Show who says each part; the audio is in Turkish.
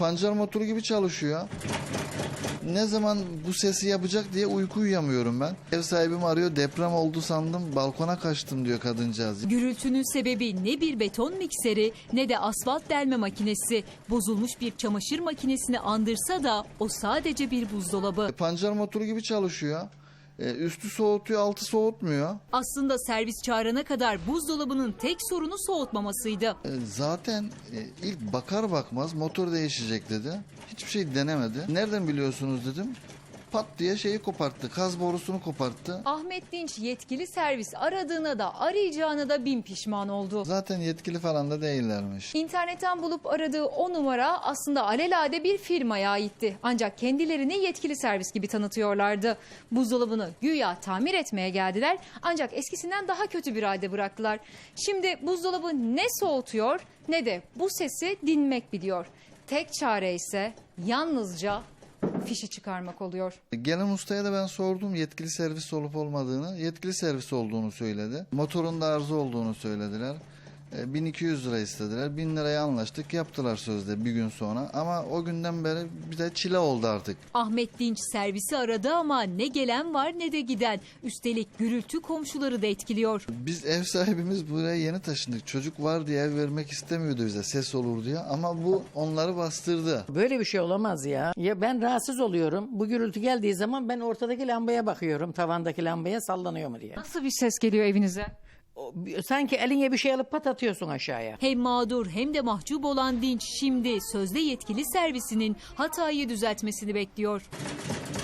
Speaker 1: Pancar motoru gibi çalışıyor. Ne zaman bu sesi yapacak diye uyku uyuyamıyorum ben. Ev sahibim arıyor, deprem oldu sandım, balkona kaçtım diyor kadıncağız.
Speaker 2: Gürültünün sebebi ne bir beton mikseri ne de asfalt delme makinesi. Bozulmuş bir çamaşır makinesini andırsa da o sadece bir buzdolabı.
Speaker 1: Pancar motoru gibi çalışıyor. Üstü soğutuyor, altı soğutmuyor.
Speaker 2: Aslında servis çağırana kadar buzdolabının tek sorunu soğutmamasıydı.
Speaker 1: Zaten ilk bakar bakmaz motor değişecek dedi. Hiçbir şey denemedi. Nereden biliyorsunuz dedim. Pat diye şeyi koparttı. Kaz borusunu koparttı.
Speaker 2: Ahmet Dinç yetkili servis aradığına da arayacağına da bin pişman oldu.
Speaker 1: Zaten yetkili falan da değillermiş.
Speaker 2: İnternetten bulup aradığı o numara aslında alelade bir firmaya aitti. Ancak kendilerini yetkili servis gibi tanıtıyorlardı. Buzdolabını güya tamir etmeye geldiler ancak eskisinden daha kötü bir halde bıraktılar. Şimdi buzdolabı ne soğutuyor ne de bu sesi dinmek biliyor. Tek çare ise yalnızca fişi çıkarmak oluyor.
Speaker 1: Gelen ustaya da ben sordum yetkili servis olup olmadığını. Yetkili servis olduğunu söyledi. Motorunda arıza olduğunu söylediler. 1200 lira istediler. 1000 liraya anlaştık. Yaptılar sözde bir gün sonra. Ama o günden beri bir de çile oldu artık.
Speaker 2: Ahmet Dinç servisi aradı ama ne gelen var ne de giden. Üstelik gürültü komşuları da etkiliyor.
Speaker 1: Biz ev sahibimiz buraya yeni taşındık. Çocuk var diye ev vermek istemiyordu bize. Ses olur diye. Ama bu onları bastırdı.
Speaker 3: Böyle bir şey olamaz ya. Ya ben rahatsız oluyorum. Bu gürültü geldiği zaman ben ortadaki lambaya bakıyorum. Tavandaki lambaya sallanıyor mu diye.
Speaker 2: Nasıl bir ses geliyor evinize?
Speaker 3: Sanki eline bir şey alıp pat atıyorsun aşağıya.
Speaker 2: Hem mağdur hem de mahcup olan Dinç şimdi sözde yetkili servisinin hatayı düzeltmesini bekliyor.